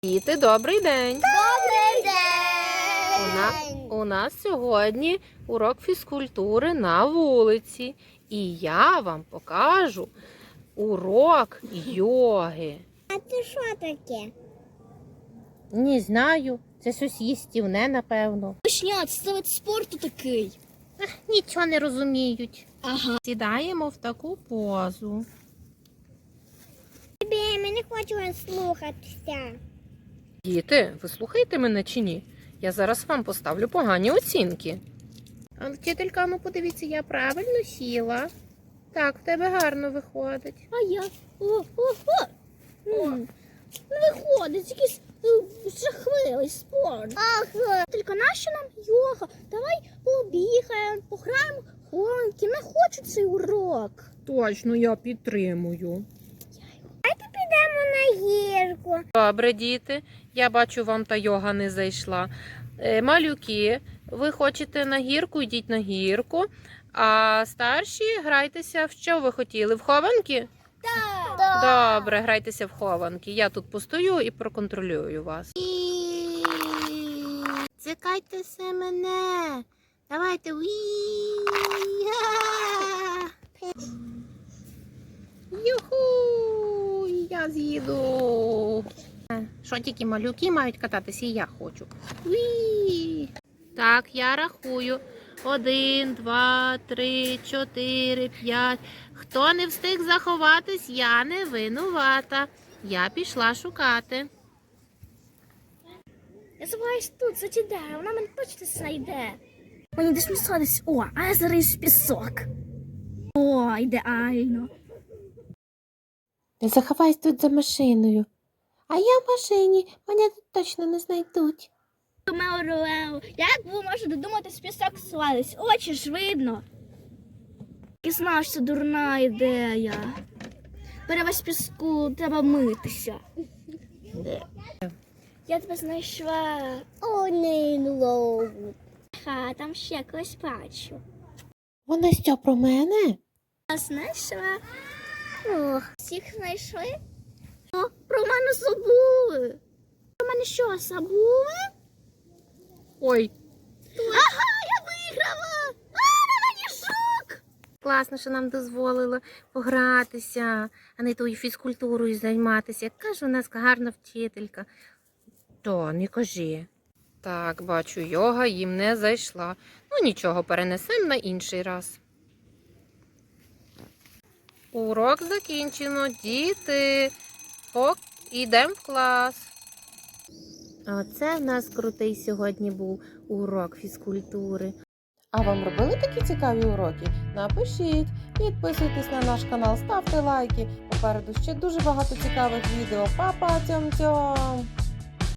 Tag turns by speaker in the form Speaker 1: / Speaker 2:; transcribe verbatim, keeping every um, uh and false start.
Speaker 1: Діти, добрий день!
Speaker 2: Добрий день!
Speaker 1: У, на... У нас сьогодні урок фізкультури на вулиці. І я вам покажу урок йоги.
Speaker 2: А це що таке?
Speaker 1: Не знаю, це щось їстівне, напевно.
Speaker 2: Точня, це вид спорту такий.
Speaker 1: Нічого не розуміють.
Speaker 2: Ага.
Speaker 1: Сідаємо в таку позу.
Speaker 2: Ми не хочемо слухатися.
Speaker 1: Діти, ви слухаєте мене чи ні? Я зараз вам поставлю погані оцінки. А вчителька, ну подивіться, я правильно сіла. Так, в тебе гарно виходить.
Speaker 2: А я? О, о, о. М, Не виходить, якийсь е, жахливий спорт. Ага. Тільки нащо нам йога? Давай побігаємо, пограємо в гонки. Не хочу цей урок.
Speaker 1: Точно, я підтримую.
Speaker 2: Підемо на гірку.
Speaker 1: Добре, діти. Я бачу, вам та йога не зайшла. Е, малюки, ви хочете на гірку, йдіть на гірку. А старші грайтеся в що ви хотіли? В хованки?
Speaker 2: Так.
Speaker 1: Добре, грайтеся в хованки. Я тут постою і проконтролюю вас. Цикайте се мене. Давайте. Юху! Я з'їду. Що тільки малюки мають кататися, і я хочу. Уі! Так, я рахую. Один, два, три, чотири, п'ять. Хто не встиг заховатись, я не винувата. Я пішла шукати.
Speaker 2: Я забуваюсь тут, за ті дерева, вона мене точно знайде. Мені десь місадись. О, а я зариюсь в пісок. О, ідеально.
Speaker 1: Не заховайся тут за машиною. А я в машині, мене тут точно не знайдуть.
Speaker 2: Меорелео, як ви можете додуматись в пісок свалитись? Очі ж видно. І знав, що це дурна ідея. Перевесь піску, треба митися. Я тебе знайшла. О, не лову. Ха, там ще когось бачу.
Speaker 1: Вона що, про мене?
Speaker 2: Я знайшла. Ох, всіх знайшли? О, про мене забули. Про мене що, забули?
Speaker 1: Ой,
Speaker 2: Ага, я виграла! А, на мені шок!
Speaker 1: класно, що нам дозволили погратися, а не тою фізкультурою займатися. Яка ж у нас гарна вчителька. То, не кажи. Так, бачу, йога їм не зайшла. Ну нічого, перенесемо на інший раз. Урок закінчено. Діти, ок, ідемо в клас. Оце в нас крутий сьогодні був урок фізкультури. А вам робили такі цікаві уроки? Напишіть, підписуйтесь на наш канал, ставте лайки. Попереду ще дуже багато цікавих відео. Па-па, цьом-цьом!